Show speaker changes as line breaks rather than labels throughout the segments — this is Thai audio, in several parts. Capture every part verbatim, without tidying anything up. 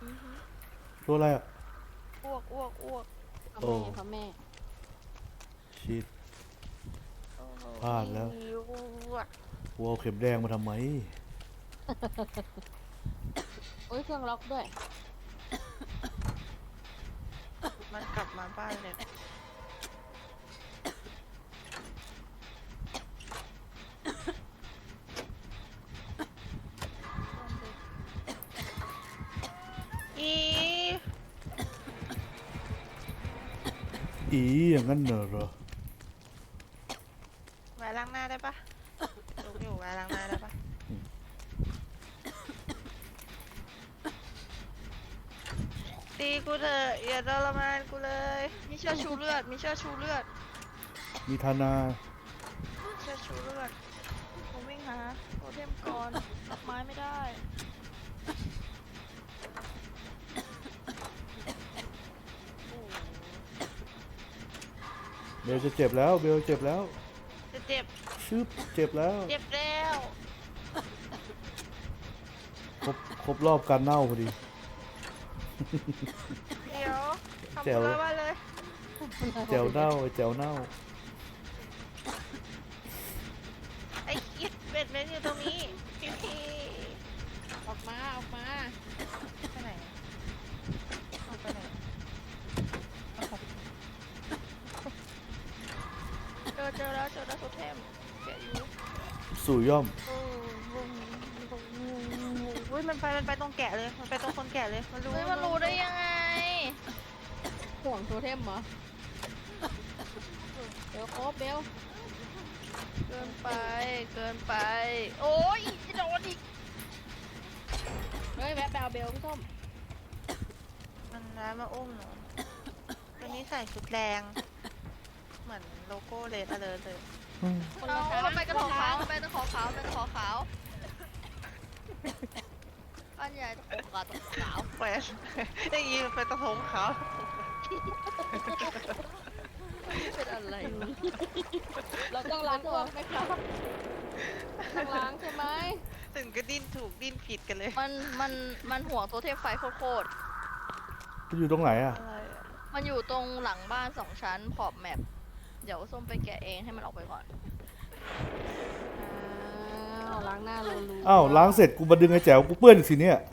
ตัวอะไรอ่ะ
อ้วกอ้วกอ้วก
พ่อแม่พ่อแม่
ชิดพลาดแล้ว
อ้วก
วัวเอาเข็มแดงมาทำไม
โอ้ยเครื่องล็อกด้วย
มันกลับมาบ้านเลยอี
อีอย่างนั้นเหรอ
แหวนล้างหน้าได้ปะลุกอยู่แหวนล้างหน้าได้ปะตีกูเถอะอย่าทรมานกูเลยมีเชือกชูเลือดมีเชือกชูเลือด
มีธนา
เชือกชูเลือดผมวิ่งหาโทเทมก่อนรับไม้ไม่ได้
เบลจะเจ็บแล้วเบลเจ็บแล้ว
จะเจ็บ
ชึบเจ็บแล้ว
เจ็บแล้ว
ครบครบรอบการเน่าพอดี
เดี๋ยวทำ
แจ๋ว
อะไรบ้างเลย
แจวเน่าไอ้แจวเน่า
ไอ้คิดเป็ดเม็ดอยู่ตรงนี้พี่พี่
ออกมาออกมา
ไปไหนออกไปไหนเจอเจอแล้วเจอแล้วโทเทมแกะอยู่
สู่ย่อม
โอ้โหอุ้ยมันไปมันไปตรงแกะเลยมันไปตรงคนแกะเลยมันรู้
เฮ้ยมันรู้ได้ยังไง
ห่วงโทเทมเหรอเบลโคบเบล
เกินไป เกินไป โอ้ยจะโดนอีก
เฮ้ยแวะแบลเบลพี่ส้ม
มันร้ายมาอุ้มหนูตัวนี้ใส่ชุดแดงเหมือนโลโก้เลดอะไรเลย
คน
เอา
ละทาง
มันไปกระขอขาวมันไปกระขอขาวมันไปกระขอขาวอันใหญ่ตะขอขาวตะขอขาว
แหวนได้ยินมันเป็นตะพงเขา
เป็นอะไรวะ
เราต้องล้างตัวไหมครับต้องล้างใช่ไหม
ถึงก็ดิ้นถูกดิ้นผิดกันเลย
มันมันมันห่วงโทเทมไฟโคตร
มันอยู่ตรงไหนอ่ะ
อะไรอะ
ๆมันอยู่ตรงหลังบ้านสองชั้นขอบแมปเดี๋ยวส้มไปแกะเองให้มันออกไปก่อน
อ้าวล้างหน้ารูรู
อ้าวล้างเสร็จกูมาดึงไอ้แจ๋วกูเปื้อนอีกสิเนี่ย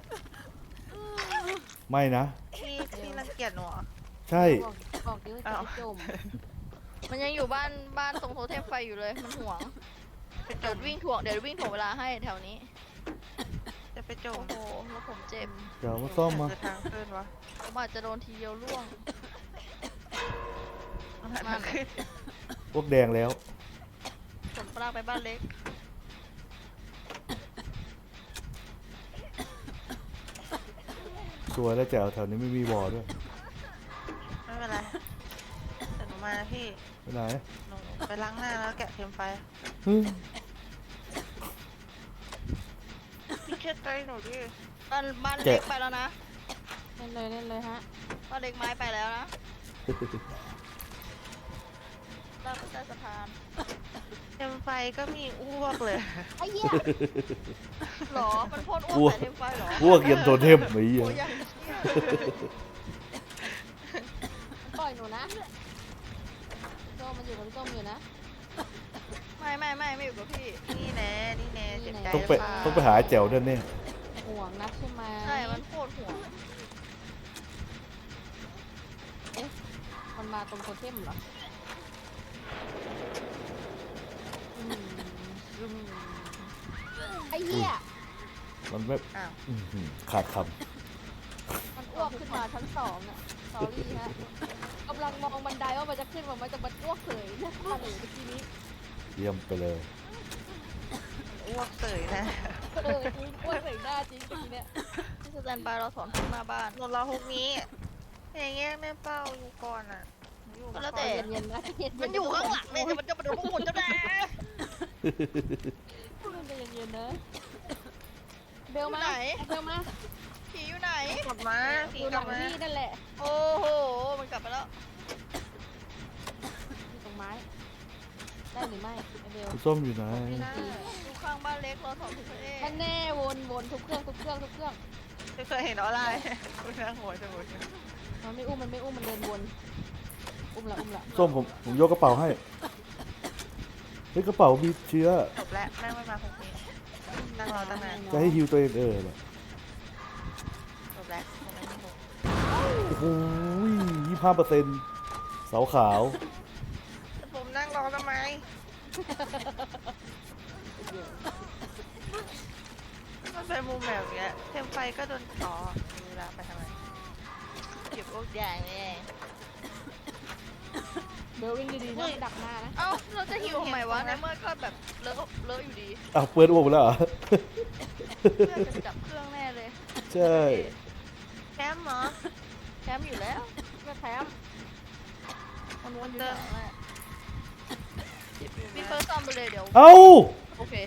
ไม่นะ
พี่พี่รังเกียจหนูเหรอ
ใช่
บอกบอกดิว่าจะจม
มันยังอยู่บ้านบ้านตรงโทเทมไฟอยู่เลยมันห่วง
ไปจ
เดี๋ยว
ม
วิ่งถ่วงเดี๋ยววิ่งถ่วงเวลาให้แถวนี้
จะไปจม
โอ้โหแล้วผมเจ็บ
เดี๋ยวมาซ่อมมา
คือทางขึ้นวะ
ผมอาจจะโดนทีเดียวล่วง
มันหันมาขึ้น
พวกแดงแล้ว
ผลปลาไปบ้านเล็ก
สวยแล้วแจ๋วแถวนี้ไม่มีบ่อด้วย
ไม่เป็นไรแต่หนูมานะพี่
ไปไหน
หนูไปล้างหน้าแล้วแกะเทมไฟ
ฮึ่ม
พี่เชื่อใจหนูดิ
บ้านบ้านเล็กไปแล้วนะ
เล่นเลยเล่นเลยฮะ
บ้านเล็กไม้ไปแล้วนะลากไปใต้สะพาน
เทมไฟก็มีอ้วกเลย
ไอ้เหี้ย
หรอ มันพ่นอ้วกใส่เทมไฟหรอ
พวกเย็นโดนเทมไอ้เหี้ย
โอ้ยยังเชี่ย
ปล่อยหนูนะพี่ส้มมันอยู่กับพี่ส้มอยู่นะ
ไม่ไม่ไม่ไม่อยู่กับพี่
นี่แน่นี่แน่เจ็บใจ
ต้องไป
หรืเล่า
ต้องไปหาไอ้แจ๋วด้วยเนี่ย
ห่วงนักใช่ไหม
ใช่ มันโคตรห่วง
มันมาตรงโทเทมเหรออืมอืมไอ้เหี้ย
มันไม่
อ้าว
อื้อหือขาดค
มันอ้วกขึ้นมาชั้นสองอะสอรี่ฮะกำลังมองบันไดว่ามันจะขึ้นมามันจะมันอ้วกเฉยเนี่ยมาหนูเมื่อกี้นี้
ำเยี่ยมไปเลย
อ้วกเสยนะ
เอออ้วกใส่หน้าจริงเมื่อกี้เนี่ย
ที่สแตนบายเราสอนทุกหน้าบ้าน
หนูรอฮุกนี้อย่างเงี้ยแม่เป้าอยู่ก่อนอ่ะหนูอยู่
ก็แล้ว
ก่
แต่
อน
เย็นๆนะเย็นๆ
มันอยู่ข้างหลังเลยแต่มันจะมาโดนพวกคุณจะแน่
มันจะเย็นๆนะเบลมา
ไหน
เบลมา
ผีอยู่ไหน
กลับมาผี
อยู่
ก
ห
ลั
ลั
บ
ง
มา
พี่นั่นแหละ
โอ้โห มันกลับไปแล้ว
อยู่ตรงไม้ ได้หรือไม่ไอเบล
คุณส้มอยู่ไหน
ไม่ได้
อยู่ข้างบ้านเล็กเราสอนทุกประเทศ
มันแน่วนวนทุกเครื่องทุกเครื่องทุกเครื่อง
ไม่เคยเห็นออนไลน์คุณนั่งหัวจะหมด
มันไม่อุ้มมันไม่อุ้มมันเดินวนอุ้มละอุ้มละ
ส้มผมผมยกกระเป๋าให้เฮ้ยกระเป๋ามีเชื้อ
จบแล้วแม่งไม่มาพรุ่งนี้นั่งรอตั้งนาน
จะให้ฮิวตัวเองเออเหรอ
จบแล้วผมไม่มีหมู
โอ้โหยี่ห้าเปอร์เซ็นต์เสาขาว
แต่ผมนั่งรอทำไมมันเป็นมุมแบบเนี้ยเทมไฟก็โดนต่อดูแลไปทำไม
เก็บพวกอย่างนี่
เบลวิ่งดีๆนะดักหน้านะ
เอ้าเราจะหิวทำไมวะในเมื่อก็แบบเลอะเลอะอยู่ดี
อ้าวเปิดอ้วกไปแล้วเหรอ
เพื่อนจะจับเครื่องแน่เลย
ใช่
แคมป์เหรอ
แคมป์อยู่แล้ว
ก็แถม
มันวนอยู่แถวนั้นแหละพี่เฟิร์สซ่อมไปเลยเดี๋ยว
เอ้า
โอเค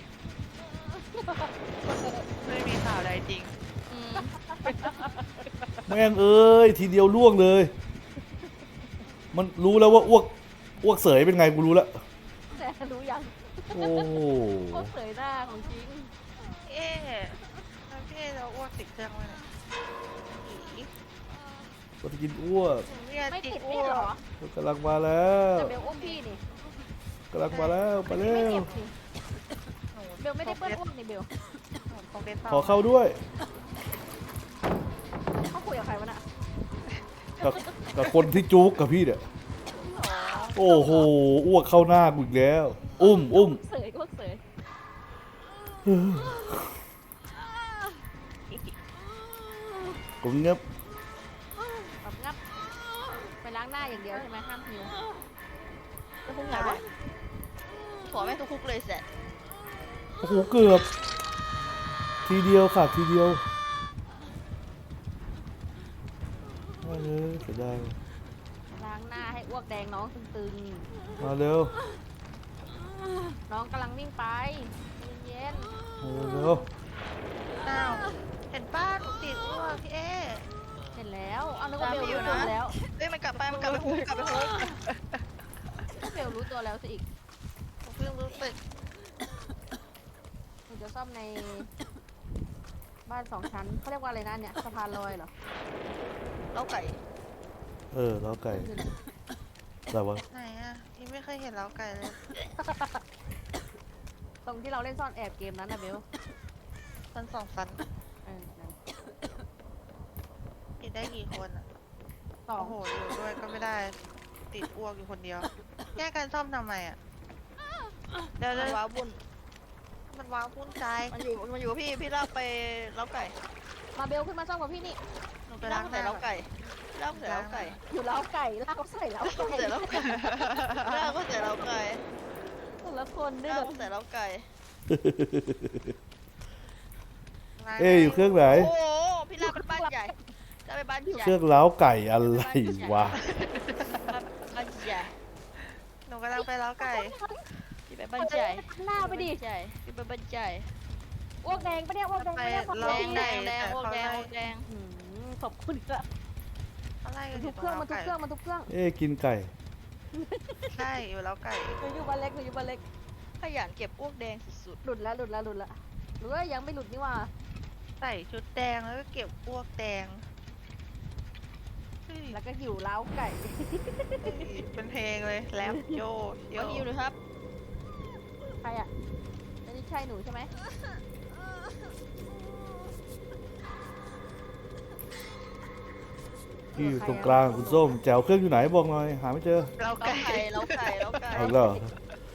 ไม่มีข่าวใดจริง
อืม
แม่งเอ้ยทีเดียวล่วงเลย มันรู้แล้วว่าอ้วกอ้วกเสยเป็นไงกูรู้แล้ว
แต่รู้ยัง
โอ้โห
โคตรเสยหน้าของจริง
เอ๊ะแล้วพี่เอ๊ะเราอ้วกติดเครื่องไว้เนี่ยอี
ก็จะกินอ้วก
ผมเนี่ย
ไม่
ติ
ติ
ด
ด
อ้
ไม่
ว
เหร
ก
อ
กำลังมาแล้ว
แต่เบลอุ้มพี่นี่
กำลังมาแล้วไปเร็
ไม่
ว
เจ็บสิ
หนู
เบลไม่ได้เปิ้ลอ้วกนี่เบล
หนูคงได้เฝ้า
ขอเข้าด้วย
เขาคุยกับใครวะน่ะ
กับกับคนที่จุกกับพี่เนี่ยโอ้โหอ้วกเข้าหน้ากูอีกแล้ว อุ้มอุ้ม
เสยอ้วกเสย
ผมเงียบ
แบบงับไปล้างหน้าอย่างเดียวใช่ไหมห้ามหิว
แล้วพวกไหนวะขอแม่งทุกคุกเลยแสะ
โอ้โหเกือบทีเดียวค่ะทีเดียวมาเลยเสียดาย
ล้างหน้าให้อ้วกแดงน้องตึง
มาเร็ว
ๆน้องกำลังวิ่งไปเย็น
มาเร็ว
อ้าวเห็นป้าหนูติดอ้วกพี่เอ๊ะ
ๆเห็นแล้วเอานึกว่าเบลรู้ตัวแล้ว
เอ้ยมันกลับไปมันกลับไปคุกกลับไปคุก
เบลรู้ตัวแล้วสิอีก
ผมเพิ่งรู้สึก
หนูจะซ่อมในบ้านสองชั้นเขาเรียกว่าอะไรนะเนี่ยสะพานลอยเหรอ
เล้าไก่
เออแล้วไก่แต่ว่า
ไหนอ่ะพี่ไม่เคยเห็นเล้าไก่เลย
ตรงที่เราเล่นซ่อนแอบเกมนั้นนะเบล
มันสองฟัน
เออนั่น
ติดได้กี่คนอ่ะ
สอง
โอ้โหอยู่ด้วยก็ไม่ได้ติดอ้วกอยู่คนเดียวแยกกันซ่อมทำไมอ่ะเดี๋ยว
มัน
เดี๋ยว
ว้าวุ่น
มันว้าวพุ่นใจ
มันอยู่มันอยู่กับพี่พี่ลากไปเล้าไก่
มาเบลขึ้นมาซ่อมกับพี่นี่
หนูไป
ลา
ล้าก ง
ใส่
หน้า
เล้าไก่ลากใส่เล้าไก่
อยู่เล้าไก่ลากเขาใส่เล้าไก่
ใส่เล้าไก่ลากก็ใส่เล้าไก่
แต่ละคนด้วย
ลาก
แบบ
ก็ใส่เล้าไก่
เอ้ยอยู่เครื่องไหน
โอ้โหพี่ลากไปบ้านใหญ่ลากไปบ้านใหญ่
เครื่องเล้าไก่อะไรวะ
บ้านใหญ่
หนูกำลังไปล้างไก่
พี่ไปบ้านใหญ่
หน้าไปดิ
ใหญ่พี่ไปบ้านใหญ่
อ้วกแดงปะเนี่ยอ้วกแดงปะเนี่ยขอบ
แด
คุณ
งแดงแดงโอ้แดงโอ้แดง
อืมขอบคุณค่ะ
อะไรกัน
ทุกเครื่องมันทุกเครื่องมันทุกเครื่อง
เอ้ยกินไก่
ใช่อยู่ล้างไก่
หนูอยู่บ้านเล็กหนูอยู่บ้านเล็ก
ขยันเก็บอ้วกแดงสุด
หลุดแล้วหลุดแล้วหลุดแล้วหรือว่ายังไม่หลุดนี่หว่า
ใส่ชุดแดงแล้วก็เก็บอ้วกแดงเฮ้ย
แล้วก็หิวเล้าไก่
เป็นเพลงเลยแรปโย
ๆ
โย
มาฮิวหน่อยครับ
ใครอ่ะอันนี้ใช่หนูใช่ไหม
พี่อยู่ตรงกลางคุณส้มแจวเครื่องอยู่ไหนบอกหน่อยหาไม่เจอ
เรา
เล้า
ไก่
ไก่เล้าไก่เล้าไก่
เอาอีกแล้วเหรอ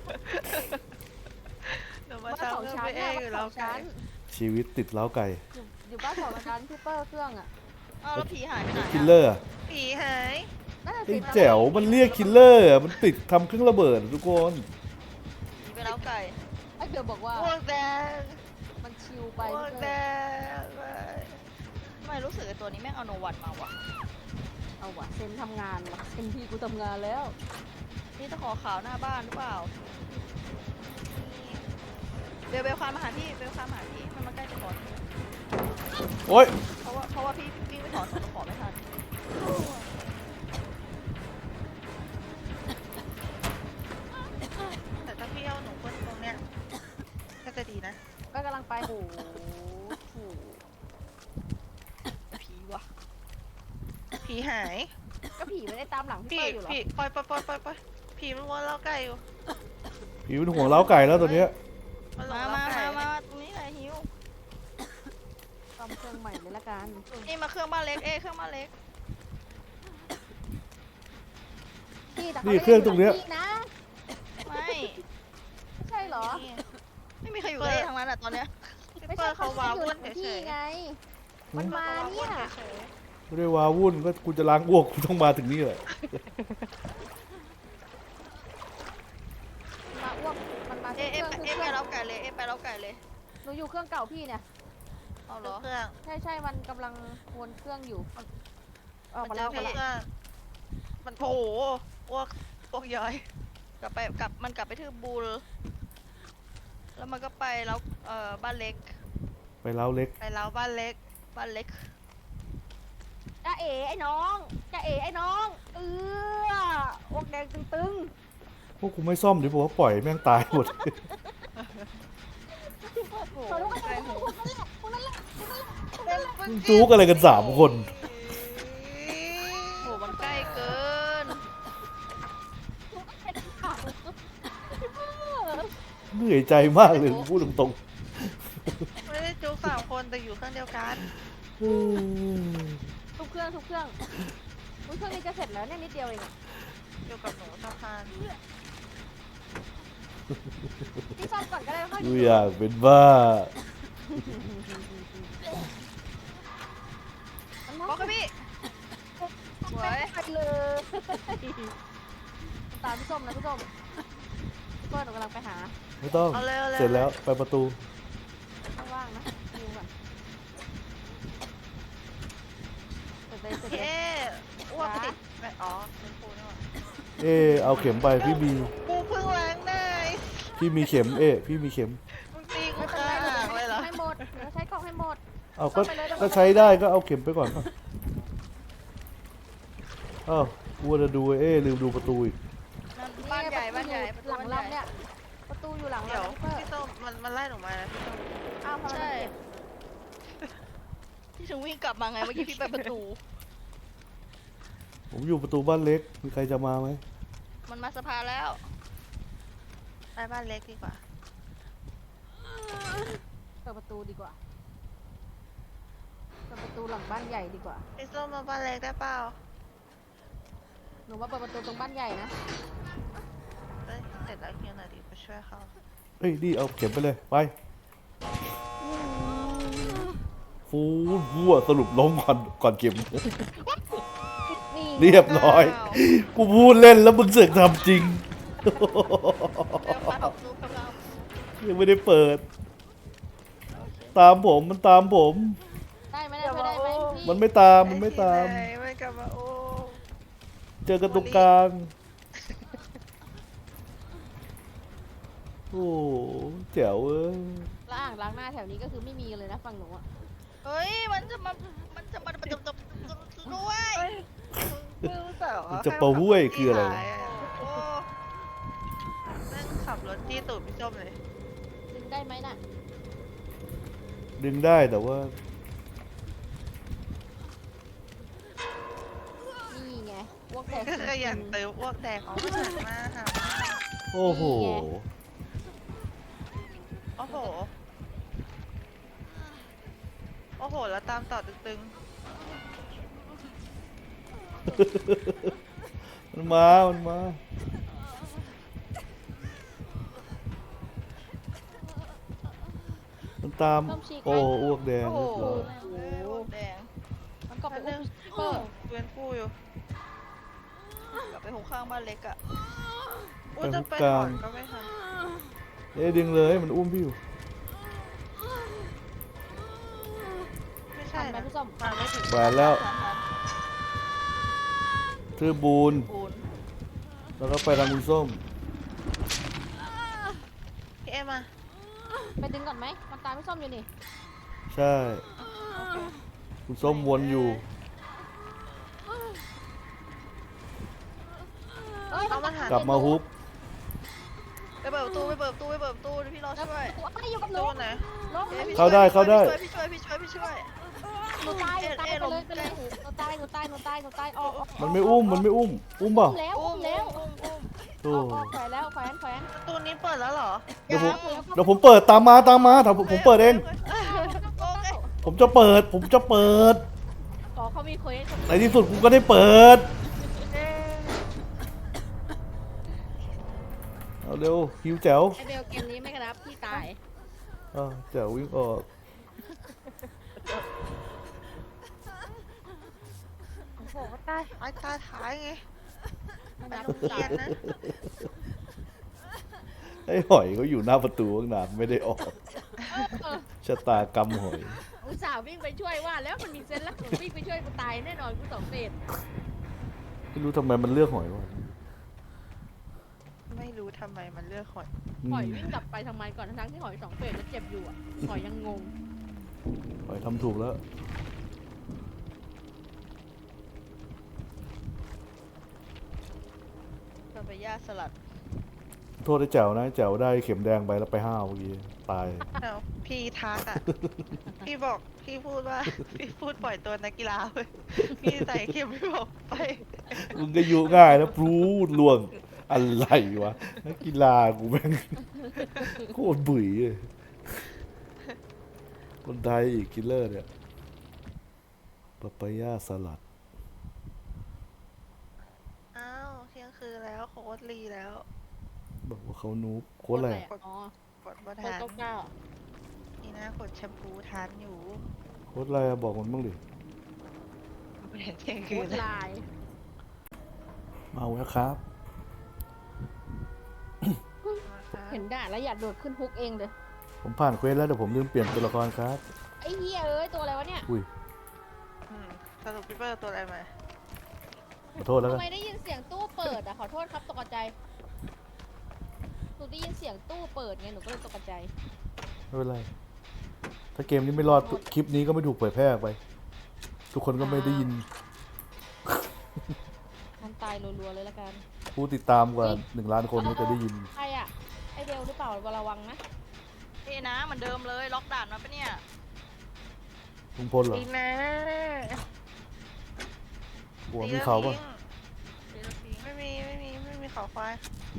หนูมา
บ้านสอง
ทำเรื่อง
ชั้น
ไปเอ
เนี่ย
งอยู่
บ้านส
เรา
อง
ไก่
ชั้น
ชีวิตติดเล้าไก่
อยู่อยู่บ้านสองชั้นพี่เปอร์เครื่องอ่ะ
อ้าวแล้วผีหายไปไหน
คิลเลอร์อะ
ผีหาย
น่าจะ
ไอ้
สิ
แจ๋วมันเรียกคิลเลอร์อะมันติดทำเครื่องระเบิดอะทุกคน
ผีไปเล้าไก่
ไอ้เบลบอกว่า
อ้วกแดง
มันชิวไป
อ้วก
พี่
แด
เปอร์
ง
ทำไมรู้สึกไอ้ตัวนี้แม่งเอาโนวันมาวะ
เอาวะเซนทำงานวะเซนพี่กูทำงานแล้ว
นี่ตะขอขาวหน้าบ้านหรือเปล่าเบลเบลคานมาหาพี่เบลคานมาหาพี่มันมาใกล้จะก่อน
โอ๊ย
เพราะว่าเพราะว่าพี่วิ่งไปถอนสองตะขอไม่ทัน
แต่ถ้าพี่เอาหนูคนตรงเนี้ยก็จะดีนะ
ก็กำลังไปโอ้โห
ผีหาย
ก็ผีไม่ได้ตามหลังพี่
ผี
เปิ้ลอยู่เหรอ
ผีปล่อยปล่อยปล่อยปล่อยปล่อยผีมันวนเล้าไก่อยู่
ผีเป็นห่วงเล้าไก่แล้วตัวเนี้ย
มันหลง
มา
เล้า
มา
ไก่
มามาตรงนี้แหละหิว
ซ่อมเครื่องใหม่เลยละกัน
นี่มาเครื่องบ้านเล็กเอ้ยเครื่องบ้านเล็ก
พี่แต่
นี่เครื่องตรงเนี้ย
พี่นะ
ไม่
ไม่ใช่เหรอ
นี่
ไม่มีใครอยู่กับเอ้ทั้งนั้นอ่ะตอนเนี้ย
พี่
ไม่
เปิ้
ใช่
ลเขาว้าวุ่น
อยู่
เฉ
พี่
ย
ไง
ๆ
มันมา
ขว้
เนี่ย
เฉย
ไม่ได้ว้าวุ่นก็กูจะล้างอ้วกกูต้องมาถึงนี่แหละ
มาอ้วกมันมา
เอ้
เค
ย
รื่
เอ้
อย ง
ไป
เครื่อง
เอ้ยไปเล้าไก่เลยเอ้ยไปเล้าไก่เลย
หนูอยู่เครื่องเก่าพี่เนี่ย
เอา
ๆ
เหรอ
เครื่อง
ใช่ใช่มันกำลังวนเครื่องอยู่ออก
มั
มาน
เจ
แล้
อ
ว
เค
มา
รื่
แล้ว
องมันโถอ้วกอ้วกย้อย
กลับไปกลับมันกลับไปที่บูลแล้วมันก็ไปแล้วเอ่อบ้านเล็ก
ไปเล้าเล็ก
ไปเล้าบ้านเล็ก
บ้านเล็ก
จ้าเอ๋ไอ้น้องจ้าเอ๋ไอ้น้องเอออ้วกแดงตึง
พวกกูไม่ซ่อมเดี๋ยวบอกว่าปล่อยแม่งตายหมด
ๆขอรู้กันเลยพวกนั้นแหละพวกนั้นแหละพวกนั้นแหละ
มึงจู๊กอะไรกันสามคน
โหมันใกล้เกิน
เหนื่อยใจมากเลยพูดตรง
ไม่ได้จุกสามคนแต่อยู่เครื่องเดียวกัน
ๆอืม
ทุกเครื่องทุกเครื่องอุ๊ยเครื่องนี้จะเสร็จแล้วเนี่ยนิดเดียวเองอะ
อยู่กับหนูสะพาน
พี่ซ่อมก่อนก็ได้ค่อย
กูอยากเป็นบ้า
มัน
บอกกับพี่ สวย
ไปเลยตามพี่ส้มนะพี่ส้มพี่เปิ้ลหนูกำลังไปหา
ไม่ต้อง
เอาเลยเอาเลย
เสร็จแล้วไปประตู
ข้างล่างนะดูก่อนเสร็จเลยเสร็จ
เอ๊
เลย
อ้วกติดแม่อ๋อเป็นปูนี่หว่า
เอเอาเข็มไปพี่มี
กูเพิ่งล้างได้
พี่มีเข็มเอพี่มีเข็ม
มึงตีกู
ไม่เป็น
ข้า
ไร
งเลยเหรอ
ให้หมดเดี๋ยวใช้กล่องให้หมด
เอาก็ก็ใช้ได้ก็เอาเข็มไปก่อนอ้าวกูจะดูเอลืมดูประตูอีก
นั่นบ้านใหญ่บ้านใหญ่ประตู
หลัง
บ้านใหญ่
ลำเนี่ยประตูอยู่หลัง
เดี๋ยว
ลำพี่เปิ้ล
พี่ส้มมันมันไล่หนูมานะพี่ส้ม
อ้าวทำไม
ใช่
มันเก็บ
ที่ถึงวิ่งกลับมาไงเมื่อกี้พี่ไปประตู
ผมอยู่ประตูบ้านเล็กมีใครจะมาไหม
มันมาสะพานแล้ว
ไปบ้านเล็กดีกว่า
เปิดประตูดีกว่าเปิดประตูหลังบ้านใหญ่ดีกว่า
พี่ส้มมาบ้านเล็กได้เปล่า
หนูมาเปิดประตูตรงบ้านใหญ่นะ
เอ้ยเสร็จแล้วเฮียหน่อยดิไปช่วยเขา
เฮ้ยนี่เอาเข็มไปเลยไปฟูวัวสรุปล้มก่อนก่อนเข็ม
นี่
เรียบร้อย
อ้าว
กูพูดเล่นแล้วมึงเสือกทำจริง
เริ่มมาออกซูกำลัง
ยังไม่ได้เปิด ตามผมมันตามผม
ได้ไหมเนี่ยช่วยได้ไหมพี่
มันไม่ตามมันไม่ตาม
ไอ้ที่ไหนไม่กลับมาโอ้
เจอกันตรงกลาง โอ้แจ๋วเอ้ย
ล้างล้างหน้าแถวนี้ก็คือไม่มีเลยนะฝั่งหนูอะ
เฮ้ยมันจะมามันจะมามันจะมาด้วย
ไม่รู้แต่ว่า
จะปะห้วยคืออะไร
โอ้
นั่งขับรถจี้ตูดพี่ส้มเลย
ดึงได้ไหมน่ะ
ดึงได้แต่ว่า
นี่ไงพวกแตก
ก็ขยันเติมอ้วกแตกออกมาจากหน้าค่ะ
โอ้โห
โอ้โห โอ้โห แล้วตามต่อตึง
มันมา มันมา มันตาม โอ้อ้วกแดง
โอ้โห
เรียบร้อย
โหแดง
มันกลับ
ๆ
ไป
นั่น
อุ้
นึ
ม
ง
พี่เปิ้ล
เวียนผู้อยู่
กลับไปหกข้างบ้านเล็กอะ
อุ้ยจะไปถอนก็ไม่ทัน
เอ๊ะดึงเลยมันอุ้มพี่อยู่
ไม่
ทั
ใช่
นไหม
นะ
พี่ส้ม
มาไม่ถึง
แหวนแล้ว
ทันทัน
ทือบูน
ปูน
แล้วก็ไปทางคุณส้ม
พี่เอ็มมา
ไปดึงก่อนไหมมันตามพี่ส้มอยู่นี่
ใช่ คุณส้มวนอยู่
เอ้ย
เอามาหาก
ลับมาฮุบ
ไปเปิดประตูไปเปิดประตูไปเปิดประตูเดี๋ยวพี่รอช่วย
ตัวอะไรอยู่กับหนู
ตู้ไหน
ล้ม
อ้ยพี่
เข้าได้
ช่วย
เข้าได้
พี่ช่วยพี่ช่วยพี่ช่วยพี่ช่วย
หนูตายหนูตายไปเลยไปเลยหนูตายหนูตายหนูตายหนูตายออกออก
มันไม่อุ้มมันไม่อุ้มอุ้มเปล่า
อุ้มแล้ว
อุ้
อุ้
ม
มแล้ว
อุ้มอุ้ม
โอ้
ออกออกแขวนแล้วแขวนแขวน
ประตูนี้เปิดแล้วเหรอ
เดี๋ยวผม
แล้วก็
เดี๋ยวผมเปิดตามมาตามมาถ้าผมผมเปิดเอง
โอเค
ผมจะเปิด ผมจะเปิด
ขอเขามีเควส
ในที่สุดกูก็ได้เปิด
เอ๊ะ
เอาเร็วหิวแจ๋ว
ไอเบลเกมนี้ไม่กระนับพี่ตาย
อ่าแจ๋ววิ่งออก
โอ้โหตายตายตายท้ายไง
ไม่
ไป
นับ
โรง
พี่
เรี
ตาย
นนะ
ไอ้หอยเขาอยู่หน้าประตูตั้งนานไม่ได้ออกชะตากรรมหอย
อุตส่าห์วิ่งไปช่วยว่าแล้วมันมีเซนแล้วหนูวิ่งไปช่วยกูตายแน่นอนกูสองเฟส
ไม่รู้ทำไมมันเลือกหอยวะ
ไม่รู้ทำไมมันเลือกหอย
หอยวิ่งกลับไปทำไมก่อนทั้งๆที่หอยสองเฟสแล้วเจ็บอยู่อ่ะหอยยังงง
หอยทำถูกแล้ว
เราไปย่าสลัด
โทษไอ้แจ๋วนะไอ้แจ๋วได้เข็มแดงไปแล้วไปห้าวเมื่อกี้ตาย
เอาพี่ทักอ่ะ พี่บอก พี่พูดว่า พี่พูดปล่อยตัวนักกีฬาเว้ยพี่ใส่เข็มพี่บอกไป
มึงก็ยุง่ายนะพรูดล่วงอะไรวะนักกีฬากูแม่งโคตรบุ๋ยเลยคนไทยอีกคิลเลอร์เนี่ยปาปายาสลัด
อ้าวเที่ยงคืนแล้วโค้ดรีแล้ว
บอกว่าเขานูบโค้ดอะไร
โคตอ๋อก
ดบ่
โคต
ทั
ร
น
เก้าเก้า
นี่นะกดแชมพูทานอยู่
โค้ดอะไรอะบอกมันบ้างดิ
ไม่เห็นเที่ยง
โค
คืน
ตร
แล้ว
ลาย
มาแล้วครับ
เห็นด่าแล้วอยากโดดขึ้นฮุกเองเลย
ผมผ่านเควสแล้วแต่ผมลืมเปลี่ยนตัวละครครับ
ไอ้เหี้ยเอ้ยตัวอะไรวะเนี่ย
อุ้ย
อืมสรุปพี่เปิ้ลตัวอะไรมา
ขอโทษแล้วกั
ทำ
น
ไมได้ยินเสียงตู้เปิดอ่ะขอโทษครับตกใจหนูได้ยินเสียงตู้เปิดไงหนูก็เลยตกใจ
ไม่เป็นไร ถ้าเกมนี้ไม่รอดคลิปนี้ก็ไม่ถูกเผยแพร่ออกไป ทุกคนก็ไม่ได้ยิน
ทันตายรัวๆเลยละกัน
ผู้ติดตามกว่าหนึ่งล้านคนก็จะได้ยิน
ใครอ่ะไอเบลหรือเปล่าระวังนะ
พี่นะเหมือนเดิมเลยล็อกด่านมาปะเนี่ย
ลุงพลเหรอ
อีนะ
หัวมีเขาปะ
เดี๋ยวเราทิ้ง
ไม่มีไม่มีไม่มีเขาควาย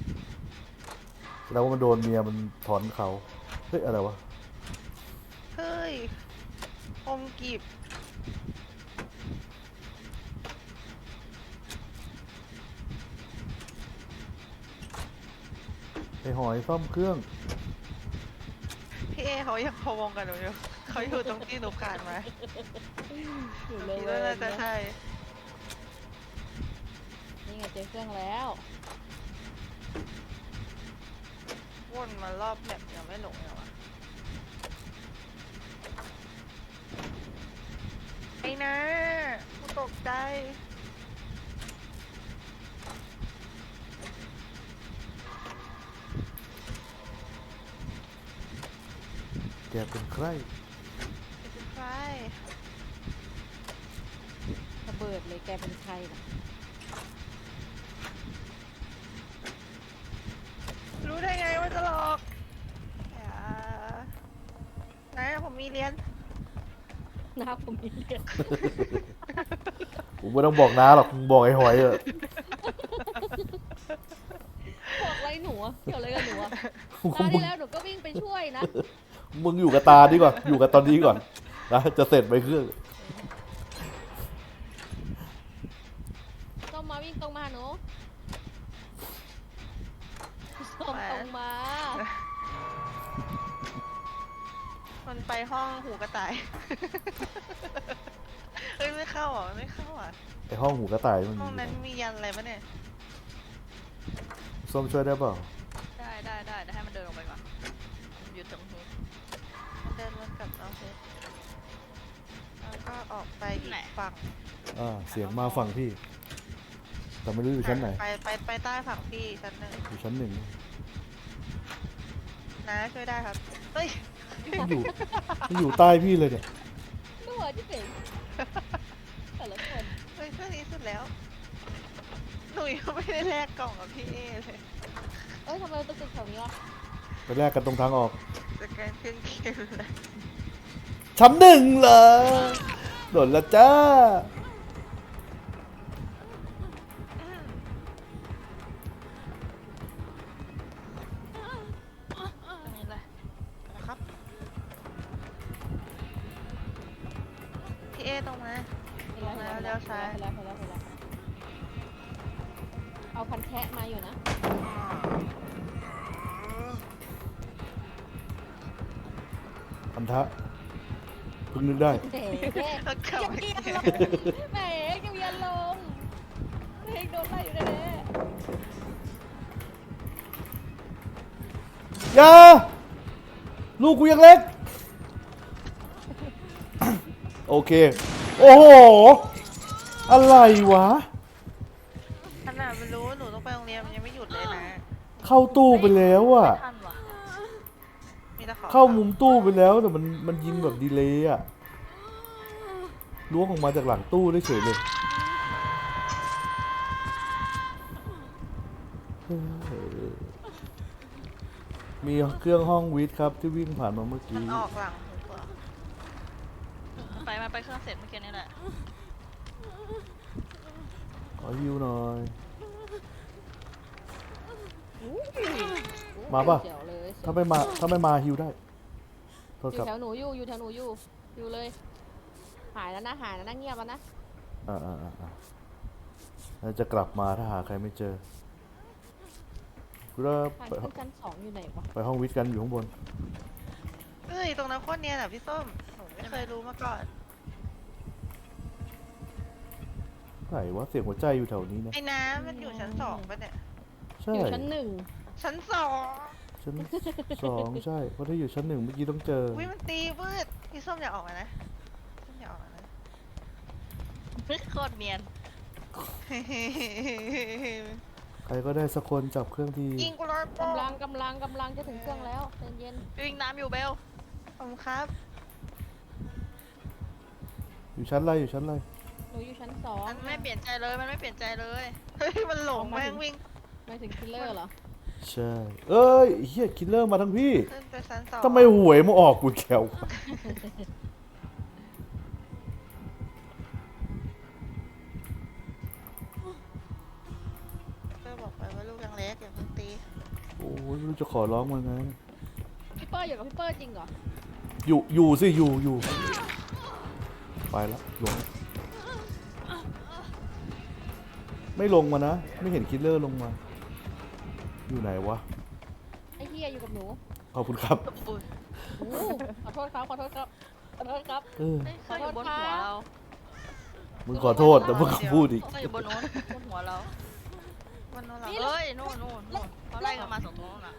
แล้วว่ามันโดนเมียมันถอนเขา เฮ้ยอะไรวะ
เฮ้ยอมกีบ
ไอหอยซ่อมเครื่อง
พี่เอเขายังพะวงกันหนูอยู่เขาอยู่ตรงที่หนูผ่านมา
อยู่เล
คิ
ย
ดว่าน่าจะใช่
นี่ไงเจอเครื่องแล้ว
วนมารอบแบบยังไม่หลงเลยวะไอ้นะกูตกใจ
แกเป็นใคร
เป็นใคร
ระเบิดเลยแกเป็นใครนะ
รู้ได้ไงว่าจะหลอกอย่านะผมมีเรียน
หน้าผมมีเลือด
ผมไม่ต้องบอกน้าหรอกมึงบอกไอ้หอยเถอะ
บอกอะไรหนูอะเกี่ยวอะไรกับหนูอะตาที่แล้วหนูก็วิ่งไปช่วยนะ
มึงอยู่กับตาดีกว่า อยู่กับตอนนี้ก่อนนะจะเสร็จไปเครื่อง
ต้องมาวิ่งตรงมาหนูส้มตรงมา
มันไปห้องหูกระต่าย เฮ้ยไม่เข้าอ่ะไม่เข้าอ่ะ
ไอห้องหูกระต่ายมัน
ห้องนั้นมียันอะไรปะเนี่ย
ส้มช่วยได้เปล่า
ได้ได้ได้เดี๋ยวให้มันเดินลงไปก่อนมันอยู่ตรงหู
เดินวนกลับเอาเซตแล้วก็ออกไปอีกฝั่ง
อ่าเสียงมาฝั่งพี่ แต่ไม่รู้อยู่ชั้นไหน
ไปไปไปใต้ฝั่งพี่ชั้นหนึ่ง
อยู่ชั้นหนึ่ง
นะช่วยได้ครับเฮ้ย
มันอยู่มันอยู่ใต้พี่เลยเนี่ย
ดูหัวที่เป็นแต่ละคน
เฮ้ยช่วยนี้สุดแล้วหนูยังไม่ได้แลกกล่องกับพี่เอเลย
เอ้ยทำไมเราต้องติดแถวนี้วะ
ไปแลกกันตรงทางออก
สแกนเครื่องเกมเลย
ชั้นหนึ่งเหรอโดนละจ้า
อันนี้เลย
นะครับพี่เอตรงมา
ไปแล้วไปแล้วไปแล้วไปแล้วไปแล้วไปแล้วเอาพันแคะมาอยู่นะ
พันธะเพิ่งนึกได้
เด็ก
แล้วกลับ
ยัง
มา
เอียน
เจ
ล
อง
แหมยังเอียนลงเด็กโดนไล่อยู่แน่
อย่า ลูกกูยังเล็ก โอเค โอ้โห อะไรวะ
ขนาดมันรู้ว่าหนูต้องไปโรงเรียนมันยังไม่หยุดเลยนะ
เข้าตู้ไปแล้วอะ
ไม่ทันว่ะ
มีแต่ขอ
เข้ามุมตู้ไปแล้วแต่มันมันยิงแบบดีเลย์อะล้วงออกมาจากหลังตู้ได้เฉยเลยเออมีเครื่องห้องวิทย์ครับที่วิ่งผ่านมาเมื่อ
มัน
กี้
ออกหลังหูกว่า
ไปมาไปเครื่องเสร็จเมื่อกี้นี่แหละ
ขอฮิวหน่อย
ๆ
มาป่ะ
เดี๋ยวเลย
ถ้าไม่มาถ้าไม่มาฮิวได้โทษ
อ
ครั
ยู่
บ
แถวหนูอยู่อยู่แถวหนูอยู่อยู่เลย หายแล้วนะหายแล้วนะเงียบแล้วนะ
อ่าอ่าอ่าอ่าแล้วจะกลับมาถ้าหาใครไม่เจอกูจะ
ทาง
ไป
ขึ้นชั้นสองอยู่ไหนวะ
ไปห้องวิทย์กันอยู่ข้างบน
เอ้ยตรงนั้นโคตรเนียนอ่ะพี่ส้มหนูไม่เคยรู้มาก่อน
ไหนวะเสียงหัวใจอยู่แถวนี้นะ
ไอ้น้ำมันอยู่ชั้นสองปะเนี่ย
ใช่
อยู่ชั้นหนึ่ง
ชั้นสอง
ชั้นสองใช่เพราะถ้าอยู่ชั้นหนึ่งเมื่อกี้ต้องเจอ
วิมันตีวืดพี่ส้มอย่าออกมานะส้มอย่าออกมานะ
โคตรเนียน
ใครก็ได้สักคนจับเครื่องที
ยิงกูร้อยโป้
กำลังกำลังกำลังจะถึงเครื่องแล้วใจเย็น
วิ่งน้ำอยู่เบล
ผมครับ
อยู่ชั้นอะไรอยู่ชั้นอะไร
หนูอยู่ชั้นสอง
มันไม่เปลี่ยนใจเลย มันไม่เปลี่ยนใจเลย
เฮ้ยมันหลงแม่งวิ่ง
ไม่ถึงคิลเลอร์เหรอ
ใช่เอ้ยเฮียคิลเลอร์มาทั้งพี่
ขึ้นไปชั้นสอง
ทำไมหวยมาออกกูแขววะ
เพื่อบอกไปว่าลูกยังเล็กอย่าเพิ่งตี
โอ้ยไม่รู้จะขอร้องมันไง
พี่เปอร์อยู่กับพี่เปอร์จริงเหรอ
อยู่อยู่สิอยู่อยู่ไปแล้วลงไม่ลงมานะไม่เห็นคิลเลอร์ลงมา อยู่ไหนวะ
ไอ้เฮียอยู่กับหนู
ขอบคุณครับ
อุ้ย
อู้ขอโทษครับขอโทษครับขอโทษครับ
เออ
เฮ้ยเครื่องอยู่บนหัวเรา
มึงขอโทษแต่มึงก็พูดอีก
เครื่องอยู่บนโน้นบนหัวเรา
วันนู้นเหรอ
นี่
เฮ้ย นู่นนู่นนู่นเขาไล่กันมาสองตัวนู่นน่ะ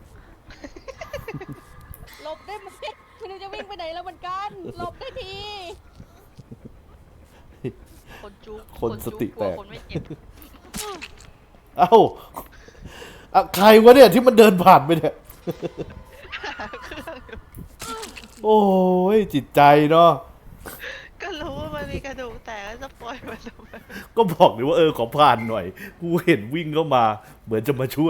หลบได้ไหมไม่รู้จะวิ่งไปไหนแล้วเหมือนกันหลบได้ที
คนจุก
คนสติแตก
คนไม่เจ็บ
เอ้าอะใครวะเนี่ยที่มันเดินผ่านไปเนี่ย โอ้ยจิตใจเนาะ
ก็รู้ว่ามันมีกระดูกแต่ก็จะปล่อยมันทำไม
ก็บอกเลยว่าเออขอผ่านหน่อย กูเห็นวิ่งเข้ามา เหมือนจะมาช่วย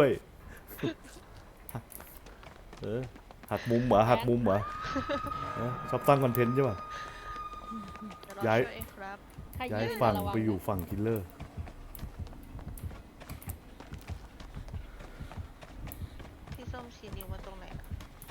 เออหักมุมเหรอหักมุมเหรอเออชอบสร้างคอนเทนต์ใช่ป่ะ
เดี๋ยวเรา
ย้าย
ช่วยเองครับ
ใคร
ย้าย
ยืน
ฝั่ง
ระวั
ไปอยู่ฝั่งคิลเลอร์
พี่ส้มชี้นิ้วมาตรงไหนอะ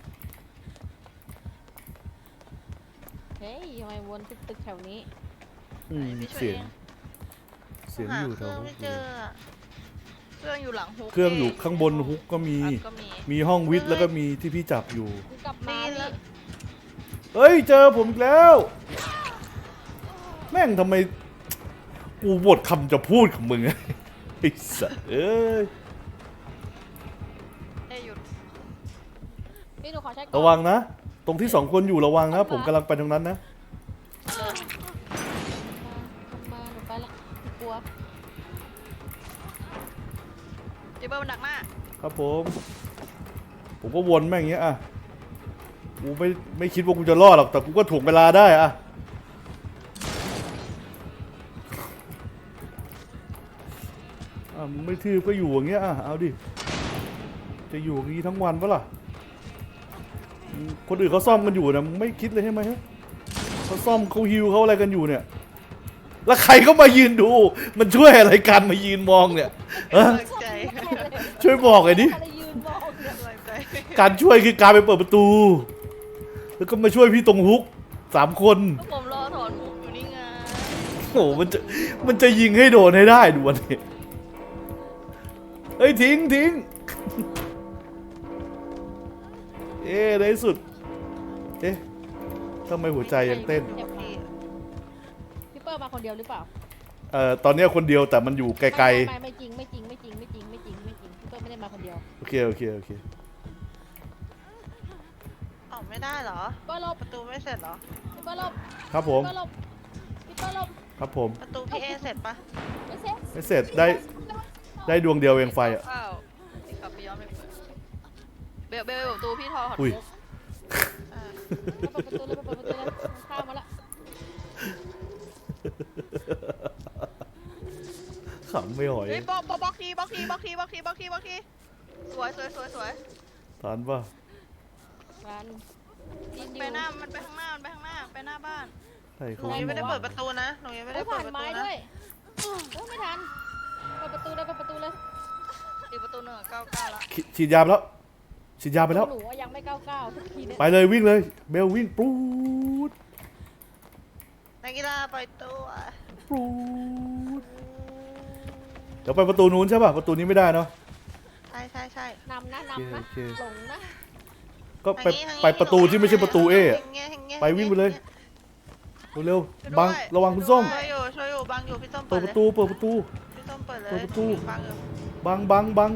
เฮ้ยทำไมวนตึกตึกแถวนี้
อืม
พี่ช่วย
เสียง
เอง
เสียง
หา
อยู่
เค
แถ
รื่
ว
องไม่เจออะ
เครื่องอยู่หลังฮุก
เครื่องอยู่ข้างบนฮุกก็มี
อัพก็มี
มีห้องวิทย์แล้วก็มีที่พี่จับอยู่
กูกลับมา
นี่แล้ว
นี่
เฮ้ยเจอผมอีกแล้ว แม่งทำไม กูบทคำจะพูดของมึง ไอ้สัสเอ้ย
เอ้ยหยุด
พี่หนูขอใช้ก่อน
ระวังนะ ตรงที่สองคนอยู่ระวังนะ ผมกำลังไปตรงนั้นนะ
มามาหนูไปละกลัว
เจเบอร์มันดักหน้า
ครับผม ผมก็วนแม่งอย่างเงี้ยอ่ะ กูไม่ไม่คิดว่ากูจะรอดหรอก แต่กูก็ถ่วงเวลาได้อ่ะ อ่ะมึงไม่ทืบก็อยู่อย่างเงี้ยอ่ะ เอาดิ จะอยู่อย่างงี้ทั้งวันปะล่ะ คนอื่นเขาซ่อมกันอยู่นะมึงไม่คิดเลยใช่ไหมฮะเขาซ่อมเขาฮิวเขาอะไรกันอยู่เนี่ย แล้วใครก็มายืนดู มันช่วยอะไรกันมายืนมองเนี่ยฮะ
กำลังใจ
ช่วยบอกไอ้ดิ
อะไรยืนมองเนี่ย
กำลังใจ
การช่วยคือการไปเปิดประตู แล้วก็มาช่วยพี่ตรงฮุกสามคน
ผมรอถอนมุกอยู่นี่ไง
โอ้โหมันจะมันจะยิงให้โดนให้ได้ดูวันนี้เฮ้ยทิ้งทิ้งเอ๊ะในที่สุด เอ๊ะทำไมหัวใจยังเต้น
เจ็บมาพี่เปิ้ลมาคนเดียวหรือเปล่า
เอ่อตอนเนี้ยคนเดียวแต่มันอยู่ไกล
ไม่ไม่ไม่จริงไม่จริงไม่จริงไม่จริงไม่จริงไม่จริงพี่เปิ้ลไม่ได้มาคนเดียว
ๆโอเคโอเคโอเค
ออกไม่ได้เหรอ
พี่เปิ้ลหลบ
ประตูไม่เสร็จเหรอ
พี่เปิ้ลหลบ
ครับผม
พี่เปิ้ลหลบพี่เปิ้ลหลบ
ครับผม
ประตูพี่เอเสร็จปะ
ไม่เซ็ต
ไม่เสร็จได้ได้ดวงเดียวเองไฟอ่ะ
อ้าวนี่กลับไปย้อมเลยเบลเบลเบลประตูพี่ทอถอน
อุ้ย
มุก
อ่า
เปิดประตูเลยเปิดประตูเลยข้ามมาละ
ขำไม่หอย
เฮ้ยบล็อกบล็อกบล็อกทีบล็อกทีบล็อกทีบล็อกทีบล็อกทีบล็อกทีสวยสวยสวยสวย
ทานป่ะ
ร้านดินอ
ไป
ยู่
หน้ามันไปข้างหน้ามันไปข้างหน้าไปหน้าบ้าน
ใช่
ห
เขา
นูยังไม่ได้เปิดประตูนะ หนูยังไม่
เอ้
ได้
ย
เปิ
ผ่า
ด
น
ประ
ไม้
ตู
ด้
นะ
วยโอ้ไม่ทันเปิดประตูเลยเปิดประตูเลย
อีกประตูหนึ่งเก้าเก้าละ
ฉีฉีดยาไปแล้วฉีดยาไปแล้ว
หนูอะยังไม่ก้าวก้าวทุกทีเนี่ย
ไปเลยวิ่งเลยเบลวิ่งปูด
นักกีฬาปล่อยตัว
ปูดเดี๋ยวไปประตูนู้นใช่ป่ะประตูนี้ไม่ได้เนาะ
ใช่ใช่ใช่
นำนะนำนะ
โอเค
หลงนะ
ก็ไป
ทางนี้ทางนี้
ไปประตูที่ไม่ใช่ประตูเออะ
ทางนี้ทางนี้
ไปวิ่งไปเลย เร็วๆบังระวังคุณส้ม
ช่วยอยู่ช่วยอยู่บังอยู่พี่ส้ม
เปิ
เปิ
ด
ด
ป
เลย
ระตูเปิดประตู
พี่ส้มเปิดเลย
เปิดประตู
บังอยู่
บังบังบัง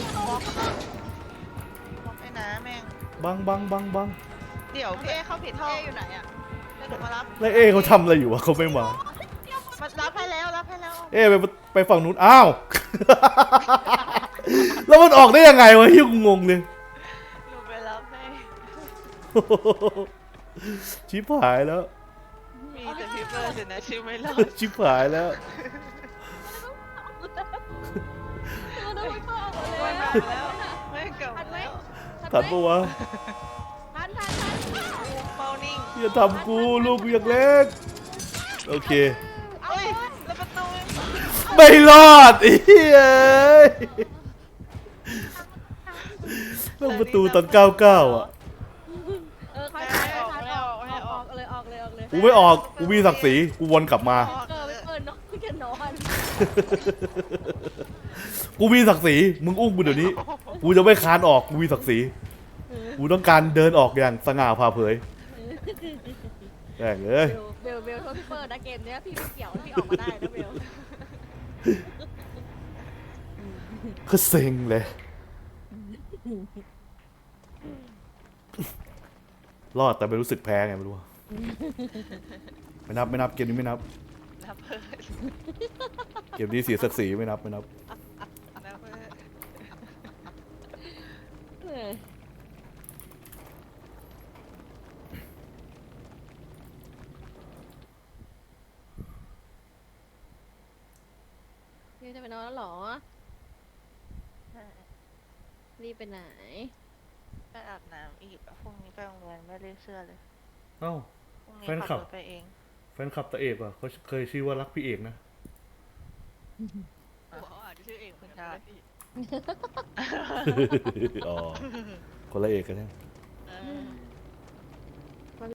บอกให้นะแม่ง
บังบังบังบัง
เดี๋ยวพี่เอเข้าผิดห้อ
เอง อยู่ไหนอ่ะ
เดี๋ยวหนูมารับ
แล้วเอเขาทำอะไรอยู่วะเขาไม่มา
มารับให้แล้วรับให้แล้ว
เอไปไปฝั่งนู้นอ้าว แล้วมันออกได้ยังไงวะที่กูงงเลย
หนูไปรับให้
ชิบหายแล้ว
มีแต่พี่เปิดสินะชื่อไม่รอด
ชิบหายแล้ว
ตัวนึกว่าเปิดหมดเล
ไม่
ย
มา
อะ
แล้วไม่กลับ
ทันไหม
แล้ว
ทันปะวะ
ทันทันทัน
เมานิ่ง
อย่าทำกูลูกกูยังเล็ก โอเค
เอ้ยแล้วประตู
ไม่รอดไอ้เหี้ยต้องประตูตอนเก้าเก้าอ่ะ
เออใครทันใครทันออกออกออกเลยออกเลยออกเลย
กูไม่ออก กูมีศักดิ์ศรี กูวนกลับมา
เออไม่เปิดเนาะไม่กันนอน
กูมีศักดิ์ศรี มึงอุ้มกูเดี๋ยวนี้ กูจะไม่คานออก กูมีศักดิ์ศรี กูต้องการเดินออกอย่างสง่าผ่าเผยแม่งเอ้ย
เบลเบลโทษพี่เปิดนะเกมเนี้ยพี่ไม่เกี่ยวพี่ออกมาได้นะเบล
ก็เซ็งเลย รอดแต่ไม่รู้สึกแพ้ไงไม่รู้อะไม่นับไม่นับเกมนี้ไม่นับ
รับเพิ่ม
เกมนี้เสียศักดิ์ศรีไม่นับไม่นับ
รับเพิ่ม
เออพี่จะไปนอนแล้วเหรอรีบไปไหน
ไปอาบน้ำอีกพรุ่งนี้ไปโรงเรียนไม่ได้เสื้อเลย
เอ้า
พรุ่งนี้
แฟนคลั
ขั
บ
บรถไปเอง
แฟนคลับตะเอกอ่ะเขาเคยชื่อว่ารักพี่เอกนะ
เขาอาจจะชื่อเองเหมือนกันนะพี่
อ๋อ คนละเอกกันใช่ไหม
เออ